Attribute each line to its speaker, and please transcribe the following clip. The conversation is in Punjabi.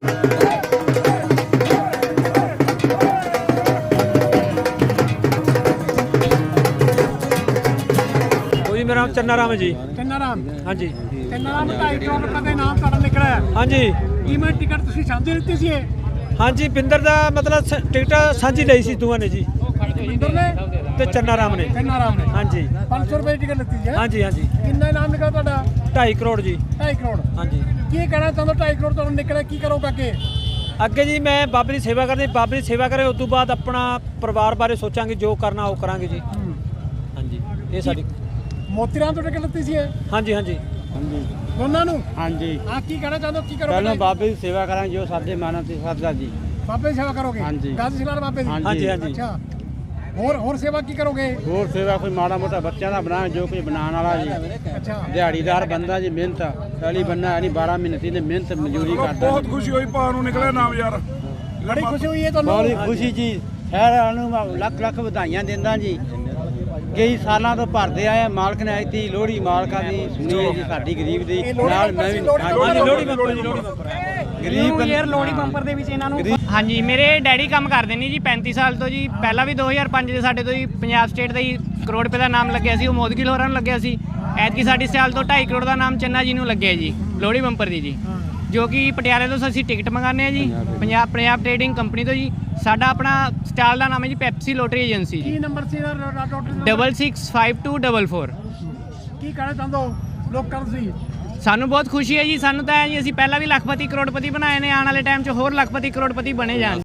Speaker 1: मेरा नाम चन्ना राम है जी।
Speaker 2: चन्ना राम,
Speaker 1: हाँ जी।
Speaker 2: चन्ना राम 2.5 करोड़ रुपए ਦਾ ਇਨਾਮ ਤੁਹਾਡਾ ਨਿਕਲਿਆ।
Speaker 1: हाँ जी।
Speaker 2: ਕਿਵੇਂ ਟਿਕਟ ਤੁਸੀਂ ਸਾਂਝੀ ਲਿੱਤੀ ਸੀ?
Speaker 1: हाँ जी, पिंदर ਦਾ मतलब टिकट ਸਾਂਝੀ ਲਈ ਸੀ ਦੋਵਾਂ ਨੇ ਜੀ,
Speaker 2: ਬਿੰਦਰ ਨੇ
Speaker 1: ਤੇ ਚੰਨਾ ਰਾਮ ਨੇ।
Speaker 2: ਚੰਨਾ ਰਾਮ ਨੇ।
Speaker 1: हाँ जी।
Speaker 2: 500 ਰੁਪਏ ਦੀ ਟਿਕਟ ਲਿੱਤੀ ਸੀ।
Speaker 1: हाँ जी, हाँ जी।
Speaker 2: ਕਿੰਨਾ ਇਨਾਮ ਨਿਕਲਿਆ ਤੁਹਾਡਾ?
Speaker 1: 2.5 ਕਰੋੜ ਜੀ।
Speaker 2: 2.5 ਕਰੋੜ।
Speaker 1: हाँ जी।
Speaker 2: ਕੀ ਕਹਿਣਾ ਚਾਹੁੰਦੇ? 2.5 ਕਰੋੜ ਤੁਹਾਨੂੰ ਨਿਕਲਿਆ, ਕੀ ਕਰੋਗੇ ਅੱਗੇ?
Speaker 1: ਅੱਗੇ ਜੀ ਮੈਂ ਬਾਬੇ ਦੀ ਸੇਵਾ ਕਰਨੀ, ਬਾਬੇ ਦੀ ਸੇਵਾ ਕਰੇ ਉਸ ਤੋਂ ਬਾਅਦ ਆਪਣਾ ਪਰਿਵਾਰ ਬਾਰੇ ਸੋਚਾਂਗੇ, ਜੋ ਕਰਨਾ ਉਹ ਕਰਾਂਗੇ ਜੀ। ਹਾਂਜੀ, ਇਹ ਸਾਡੀ
Speaker 2: ਮੋਤੀ ਰਾਮ ਤੋਂ ਟਿਕਟ ਲਿੱਤੀ ਸੀ ਇਹ?
Speaker 1: ਹਾਂਜੀ, ਹਾਂਜੀ,
Speaker 3: ਹਾਂਜੀ
Speaker 2: ਦੋਨਾਂ ਨੂੰ?
Speaker 3: ਹਾਂਜੀ।
Speaker 2: ਹਾਂ, ਕੀ ਕਹਿਣਾ ਚਾਹੁੰਦੇ ਹੋ, ਕੀ ਕਰੋਗੇ?
Speaker 3: ਪਹਿਲਾਂ ਬਾਬੇ ਦੀ ਸੇਵਾ ਕਰਾਂਗੇ ਜੋ ਸਾਡੇ ਮਨ ਤੇ ਸਰਦਾ ਜੀ।
Speaker 2: ਬਾਬੇ ਦੀ ਸੇਵਾ ਕਰੋਗੇ?
Speaker 3: ਹਾਂਜੀ।
Speaker 2: ਗਾਜ਼ੀ ਸਿਲਾਰ ਬਾਬੇ ਦੀ?
Speaker 1: ਹਾਂਜੀ, ਹਾਂਜੀ।
Speaker 2: ਅੱਛਾ, ਹੋਰ ਸੇਵਾ ਕੀ ਕਰੋਗੇ?
Speaker 3: ਹੋਰ ਸੇਵਾ ਕੋਈ ਮਾੜਾ ਮੋਟਾ ਬੱਚਿਆਂ ਦਾ ਬਣਾ, ਜੋ ਕੋਈ ਬਣਾਉਣ ਵਾਲਾ ਜੀ।
Speaker 2: ਅੱਛਾ,
Speaker 3: ਦਿਹਾੜੀਦਾਰ ਬੰਦਾ ਜੀ, ਮਿਹਨਤ ਪਹਿਲੀ ਬੰਨਾ ਨਹੀਂ 12 ਮਹੀਨੇ ਦੀ ਮਿਹਨਤ ਮਜ਼ਦੂਰੀ ਕਰਦਾ।
Speaker 4: ਬਹੁਤ ਖੁਸ਼ੀ ਹੋਈ ਭਾ ਨੂੰ ਨਿਕਲਿਆ ਨਾਮ ਯਾਰ।
Speaker 2: ਬੜੀ ਖੁਸ਼ੀ ਹੋਈ ਹੈ ਤੁਹਾਨੂੰ?
Speaker 3: ਬੜੀ ਖੁਸ਼ੀ ਜੀ, ਸਾਰਿਆਂ ਨੂੰ ਲੱਖ ਲੱਖ ਵਧਾਈਆਂ ਦਿੰਦਾ ਜੀ। ਕਈ ਸਾਲਾਂ ਤੋਂ ਭਰਦੇ ਆਏ, ਮਾਲਕ ਨੇ ਆਈ ਲੋਹੜੀ ਮਾਲਕਾਂ ਦੀ ਸੁਣੀ ਹੈ ਜੀ, ਸਾਡੀ ਗਰੀਬ ਦੀ ਨਾਲ ਮੈਂ ਵੀ।
Speaker 1: ਹਾਂਜੀ, ਲੋਹੜੀ ਬੰਪਰ ਜੀ, ਲੋਹੜੀ ਬੰਪਰ।
Speaker 3: ਗਰੀਬ
Speaker 5: ਯਾਰ ਲੋਹੜੀ ਬੰਪਰ ਦੇ ਵਿੱਚ ਇਹਨਾਂ ਨੂੰ। ਹਾਂਜੀ, ਮੇਰੇ ਡੈਡੀ ਕੰਮ ਕਰਦੇ ਨੇ ਜੀ 35 ਸਾਲ ਤੋਂ ਜੀ। ਪਹਿਲਾਂ ਵੀ 2005 ਦੇ ਸਾਡੇ ਤੋਂ ਜੀ ਪੰਜਾਬ ਸਟੇਟ ਦਾ ਹੀ ਕਰੋੜ ਰੁਪਏ ਦਾ ਨਾਮ ਲੱਗਿਆ ਸੀ, ਉਹ ਮੋਦਗਿਲ ਹੋਰਾਂ ਨੂੰ ਲੱਗਿਆ ਸੀ। ਐਤਕੀ ਸਾਡੀ ਸਾਲ ਤੋਂ 2.5 ਕਰੋੜ ਦਾ ਨਾਮ ਚੰਨਾ ਜੀ ਨੂੰ ਲੱਗਿਆ ਜੀ, ਲੋਹੜੀ ਬੰਪਰ ਦੀ ਜੀ, ਜੋ ਕਿ ਪਟਿਆਲੇ ਤੋਂ ਅਸੀਂ ਟਿਕਟ ਮੰਗਾਉਂਦੇ ਹਾਂ ਜੀ, ਪੰਜਾਬ ਟ੍ਰੇਡਿੰਗ ਕੰਪਨੀ ਤੋਂ ਜੀ। ਸਾਡਾ ਆਪਣਾ ਸਟਾਲ ਦਾ ਨਾਮ ਹੈ ਜੀ ਪੈਪਸੀ ਲੋਟਰੀ ਏਜੰਸੀ ਜੀ।
Speaker 2: ਕੀ ਨੰਬਰ ਸੀ ਇਹਦਾ?
Speaker 5: 665244।
Speaker 2: ਕੀ ਕਹਿਣਾ ਚਾਹੁੰਦੇ ਹੋ ਲੋਕਾਂ ਨੂੰ ਤੁਸੀਂ?
Speaker 5: ਸਾਨੂੰ ਬਹੁਤ ਖੁਸ਼ੀ ਹੈ ਜੀ, ਸਾਨੂੰ ਤਾਂ ਹੈ ਜੀ, ਅਸੀਂ ਪਹਿਲਾਂ ਵੀ ਲੱਖਪਤੀ ਕਰੋੜਪਤੀ ਬਣਾਏ ਨੇ, ਆਉਣ ਵਾਲੇ ਟਾਈਮ 'ਚ ਹੋਰ ਲੱਖਪਤੀ ਕਰੋੜਪਤੀ ਬਣੇ ਜਾਣ।